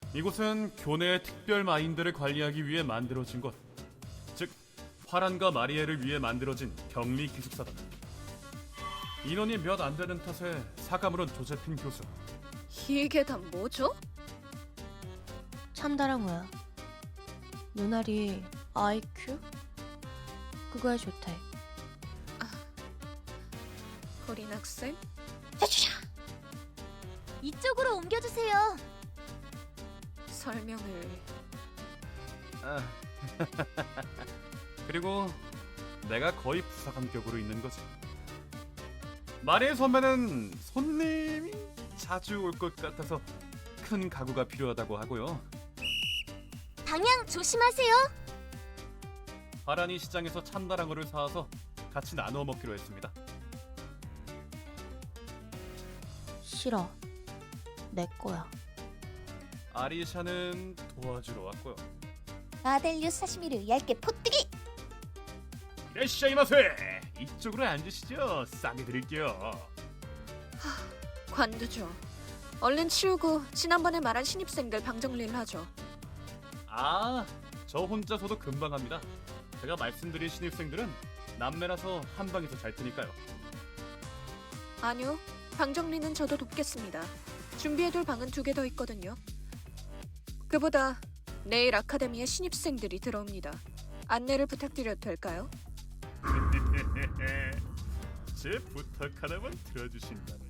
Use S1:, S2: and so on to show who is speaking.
S1: 이곳은 교내의 특별 마인들을 관리하기 위해 만들어진 곳. 즉, 화란과 마리에를 위해 만들어진 격리 기숙사다. 인원이 몇 안 되는 탓에 사과물은 조제핀 교수.
S2: 이게 다 뭐죠?
S3: 참다랑어야. 누나리 IQ? 그거야 좋대.
S2: 거린 학생?
S4: 이쪽으로 옮겨주세요.
S2: 설명을...
S1: 그리고 내가 거의 부사 감격으로 있는 거지. 마리에 선배는 손님이 자주 올 것 같아서 큰 가구가 필요하다고 하고요.
S4: 방향 조심하세요.
S1: 하란이 시장에서 참다랑어를 사와서 같이 나누어 먹기로 했습니다.
S3: 싫어. 내 거야.
S1: 아리샤는 도와주러 왔고요.
S4: 아델류 사시미를 얇게 포뜨기.
S1: 이라시아이마세! 이쪽으로 앉으시죠. 싸게 드릴게요.
S2: 관두죠. 얼른 치우고 지난번에 말한 신입생들 방 정리를 하죠.
S1: 아, 저 혼자서도 금방 합니다. 제가 말씀드린 신입생들은 남매라서 한 방에서 잘 테니까요.
S2: 아니요. 방 정리는 저도 돕겠습니다. 준비해둘 방은 2개 더 있거든요. 그보다 내일 아카데미에 신입생들이 들어옵니다. 안내를 부탁드려도 될까요?
S1: 제 부탁 하나만 들어주신다면